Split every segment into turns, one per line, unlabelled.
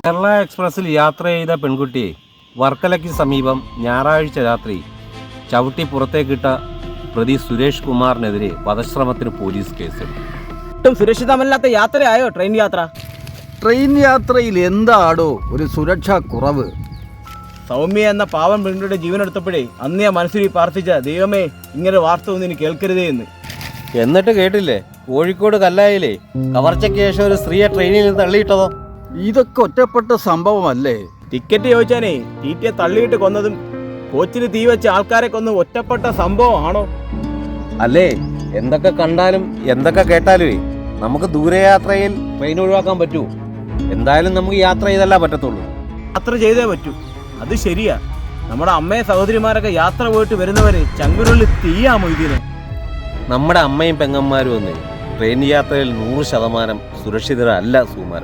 കേരള എക്സ്പ്രസ്സിൽ യാത്ര ചെയ്ത പെൺകുട്ടിയെ വർക്കലയ്ക്ക് സമീപം ഞായറാഴ്ച രാത്രി ചവിട്ടി പുറത്തേക്കിട്ട പ്രതി സുരേഷ് കുമാറിനെതിരെ വധശ്രമത്തിന് പോലീസ് കേസെടുത്തു.
ഒട്ടും സുരക്ഷിതമല്ലാത്ത യാത്രയായോ ട്രെയിൻ യാത്ര?
ട്രെയിൻ യാത്രയിൽ എന്താടോ ഒരു സുരക്ഷാ കുറവ്?
സൗമ്യ എന്ന പാവം പെൺകുട്ടിയുടെ ജീവനെടുത്തപ്പോഴേ അന്ന് ഞാൻ മനസ്സിൽ പ്രാർത്ഥിച്ച ദൈവമേ ഇങ്ങനെ വാർത്ത ഒന്നും ഇനി കേൾക്കരുതേ എന്ന്.
എന്നിട്ട് കേട്ടില്ലേ, കോഴിക്കോട് കല്ലായിലേ കവർച്ചയ്ക്ക് ശേഷം ഒരു സ്ത്രീയെ ട്രെയിനിൽ നിന്ന് തള്ളിയിട്ടതോ?
ഇതൊക്കെ ഒറ്റപ്പെട്ട സംഭവമല്ലേ?
ടിക്കറ്റ് ചോദിച്ചാനേ ടീറ്റിയെ തള്ളിയിട്ട് കൊന്നതും കോച്ചിന് തീ വെച്ച ആൾക്കാരെ കൊന്ന് ഒറ്റപ്പെട്ട സംഭവമാണോ?
അല്ലേ, എന്തൊക്കെ കണ്ടാലും എന്തൊക്കെ കേട്ടാലുമേ നമുക്ക് ദൂരയാത്രയിൽ ട്രെയിൻ ഒഴിവാക്കാൻ പറ്റൂ? എന്തായാലും നമുക്ക് യാത്ര ചെയ്തല്ല പറ്റത്തുള്ളൂ.
യാത്ര ചെയ്തേ പറ്റൂ, അത് ശരിയാ. നമ്മുടെ അമ്മയും സഹോദരിമാരൊക്കെ യാത്ര പോയിട്ട് വരുന്നവരെ ചങ്കുരുള്ളിൽ തീയാമോ ഇതിന്?
നമ്മുടെ അമ്മയും പെങ്ങന്മാരും ഒന്നേ ട്രെയിൻ യാത്രയിൽ 100% സുരക്ഷിതരല്ല സുമാര.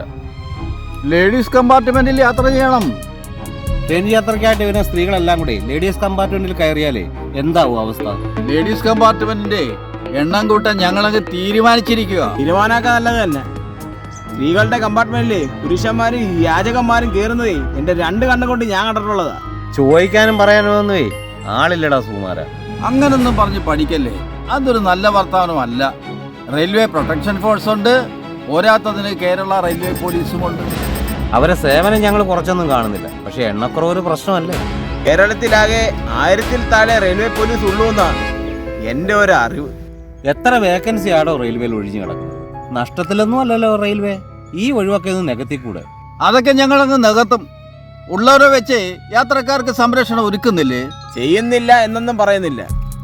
ലേഡീസ് കമ്പാർട്ട്മെന്റിൽ യാത്ര ചെയ്യണം.
ട്രെയിൻ യാത്രയ്ക്കായിട്ട് വരുന്ന സ്ത്രീകളെല്ലാം കൂടി ലേഡീസ് കമ്പാർട്ട്മെന്റിൽ കയറിയാലേ എന്താവും അവസ്ഥ?
ലേഡീസ് കമ്പാർട്ട്മെന്റിന്റെ എണ്ണം കൂട്ടാൻ ഞങ്ങളങ്ങ് തീരുമാനിച്ചിരിക്കുക.
തീരുമാനമൊക്കെ നല്ലത് തന്നെ. സ്ത്രീകളുടെ കമ്പാർട്ട്മെന്റിലെ പുരുഷന്മാരും യാചകന്മാരും കയറുന്നതേ എന്റെ 2 കണ്ണും കൊണ്ട് ഞാൻ കണ്ടിട്ടുള്ളതാ.
ചോദിക്കാനും പറയാനും ഒന്നുമേ ആളില്ലടാ സുമാര.
അങ്ങനൊന്നും പറഞ്ഞ് പഠിക്കല്ലേ, അതൊരു നല്ല വർത്തമാനമല്ല. റെയിൽവേ പ്രൊട്ടക്ഷൻ ഫോഴ്സ് ഉണ്ട്, പോരാത്തതിന് കേരള റെയിൽവേ പോലീസും ഉണ്ട്.
അവരെ സേവനം ഞങ്ങൾ കുറച്ചൊന്നും കാണുന്നില്ല, പക്ഷെ എണ്ണക്കുറവ് ഒരു പ്രശ്നമല്ലേ?
കേരളത്തിലാകെ 1000-ൽ താഴെ റെയിൽവേ പോലീസ് ഉള്ളൂ എന്നാണ് എന്റെ ഒരു അറിവ്.
എത്ര വേക്കൻസി ആണോ റെയിൽവേയിൽ ഒഴിഞ്ഞു കിടക്കുന്നത്? നഷ്ടത്തിലൊന്നും അല്ലല്ലോ റെയിൽവേ. ഈ ഒഴിവൊക്കെ ഒന്ന് നികത്തിക്കൂടെ?
അതൊക്കെ ഞങ്ങളങ്ങ് നികത്തും. ഉള്ളവരെ വെച്ച് യാത്രക്കാർക്ക് സംരക്ഷണം ഒരുക്കുന്നില്ലേ?
ചെയ്യുന്നില്ല എന്നൊന്നും പറയുന്നില്ല.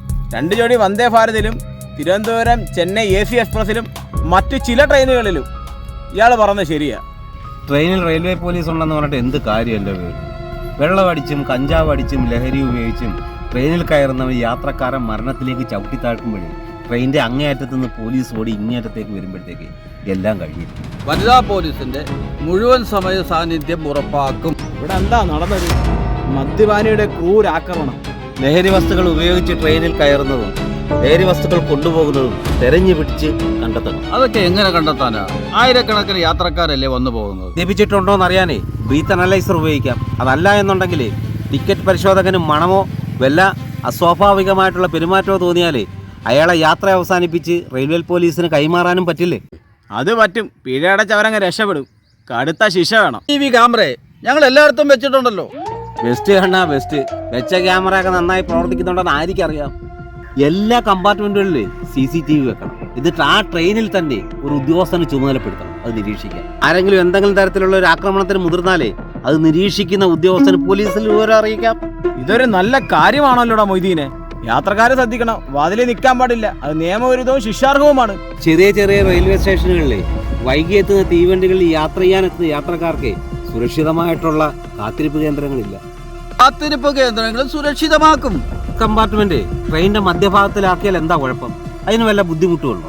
2 ജോഡി വന്ദേ ഭാരതിലും തിരുവനന്തപുരം ചെന്നൈ AC എക്സ്പ്രസിലും മറ്റു ചില ട്രെയിനുകളിലും ഇയാൾ പറഞ്ഞത് ശരിയാ.
ട്രെയിനിൽ റെയിൽവേ പോലീസ് ഉണ്ടെന്ന് പറഞ്ഞിട്ട് എന്ത് കാര്യമല്ലേ? വെള്ളമടിച്ചും കഞ്ചാവ് അടിച്ചും ലഹരി ഉപയോഗിച്ചും ട്രെയിനിൽ കയറുന്നവർ യാത്രക്കാരൻ മരണത്തിലേക്ക് ചവിട്ടിത്താഴ്ക്കുമ്പോഴേ ട്രെയിനിന്റെ അങ്ങേയറ്റത്ത് നിന്ന് പോലീസ് ഓടി ഇങ്ങേയറ്റത്തേക്ക് വരുമ്പോഴത്തേക്ക് എല്ലാം കഴിയും.
വനിതാ പോലീസിന്റെ മുഴുവൻ സമയ സാന്നിധ്യം ഉറപ്പാക്കും.
ഇവിടെ എന്താ നടന്നത്? മദ്യപാനിയുടെ ക്രൂരാക്രമണം.
ലഹരി വസ്തുക്കൾ ഉപയോഗിച്ച് ട്രെയിനിൽ കയറുന്നതും ലഹരി വസ്തുക്കൾ കൊണ്ടുപോകുന്നതും തെരഞ്ഞു പിടിച്ച് കണ്ടെത്തണം.
അതൊക്കെ എങ്ങനെ കണ്ടെത്താനാ? ആയിരക്കണക്കിന് യാത്രക്കാരല്ലേ വന്നു പോകുന്നത്.
ലഭിച്ചിട്ടുണ്ടോന്ന് അറിയാനേ ബ്രീത്ത് അനലൈസർ ഉപയോഗിക്കാം. അതല്ല എന്നുണ്ടെങ്കിൽ ടിക്കറ്റ് പരിശോധകന് മണമോ വല്ല അസ്വാഭാവികമായിട്ടുള്ള പെരുമാറ്റമോ തോന്നിയാലേ അയാളെ യാത്ര അവസാനിപ്പിച്ച് റെയിൽവേ പോലീസിന് കൈമാറാനും പറ്റില്ലേ?
അത് പറ്റും. പിഴയടച്ചവരങ്ങ് രക്ഷപ്പെടും. കടുത്ത ശിക്ഷ വേണം.
TV ക്യാമറ ഞങ്ങൾ എല്ലായിടത്തും വെച്ചിട്ടുണ്ടല്ലോ.
ബെസ്റ്റ് കണ്ണാ ബെസ്റ്റ്. വെച്ച ക്യാമറ ഒക്കെ നന്നായി പ്രവർത്തിക്കുന്നുണ്ടെന്ന് ആർക്കറിയാം. എല്ലാ കമ്പാർട്ട്മെന്റുകളിലും CCTV വെക്കണം. എന്നിട്ട് ആ ട്രെയിനിൽ തന്നെ ഒരു ഉദ്യോഗസ്ഥനെ ചുമതലപ്പെടുത്തണം അത് നിരീക്ഷിക്കാൻ. ആരെങ്കിലും എന്തെങ്കിലും തരത്തിലുള്ള ഒരു ആക്രമണത്തിന് മുതിർന്നാലേ അത് നിരീക്ഷിക്കുന്ന ഉദ്യോഗസ്ഥന് പോലീസിൽ വിവരം അറിയിക്കാം.
ഇതൊരു നല്ല കാര്യമാണല്ലോടാ മൊയ്തീനെ. യാത്രക്കാരെ ശ്രദ്ധിക്കണം. വാതിലിൽ നിൽക്കാൻ പാടില്ല. അത് നിയമവിരുദ്ധവും ശിക്ഷാർഹവുമാണ്.
ചെറിയ ചെറിയ റെയിൽവേ സ്റ്റേഷനുകളിലെ വൈകി എത്തുന്ന തീവണ്ടികളിൽ യാത്ര ചെയ്യാനെത്തുന്ന യാത്രക്കാർക്ക് സുരക്ഷിതമായിട്ടുള്ള കാത്തിരിപ്പ് കേന്ദ്രങ്ങളില്ല.
കാത്തിരിപ്പ് കേന്ദ്രങ്ങൾ സുരക്ഷിതമാക്കും.
കമ്പാർട്ട്മെന്റ് ട്രെയിനിന്റെ മധ്യഭാഗത്തിലാക്കിയാൽ എന്താ കുഴപ്പം? അതിന് വല്ല ബുദ്ധിമുട്ടുണ്ടോ?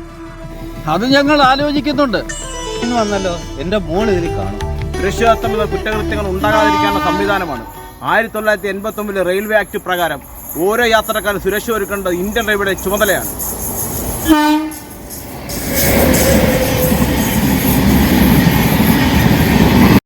അത് ഞങ്ങൾ ആലോചിക്കുന്നുണ്ട്.
ഇന്ന് വന്നല്ലോ, എന്റെ മോൾ ഇതിൽ കാണും.
സുരക്ഷിതത്വമുള്ള കുറ്റകൃത്യങ്ങൾ ഉണ്ടാകാതിരിക്കാനുള്ള സംവിധാനമാണ് 1989 റെയിൽവേ ആക്ട് പ്രകാരം ഓരോ യാത്രക്കാരും സുരക്ഷ ഒരുക്കേണ്ടത് ഇന്ത്യൻ റെയിൽവേയുടെ ചുമതലയാണ്.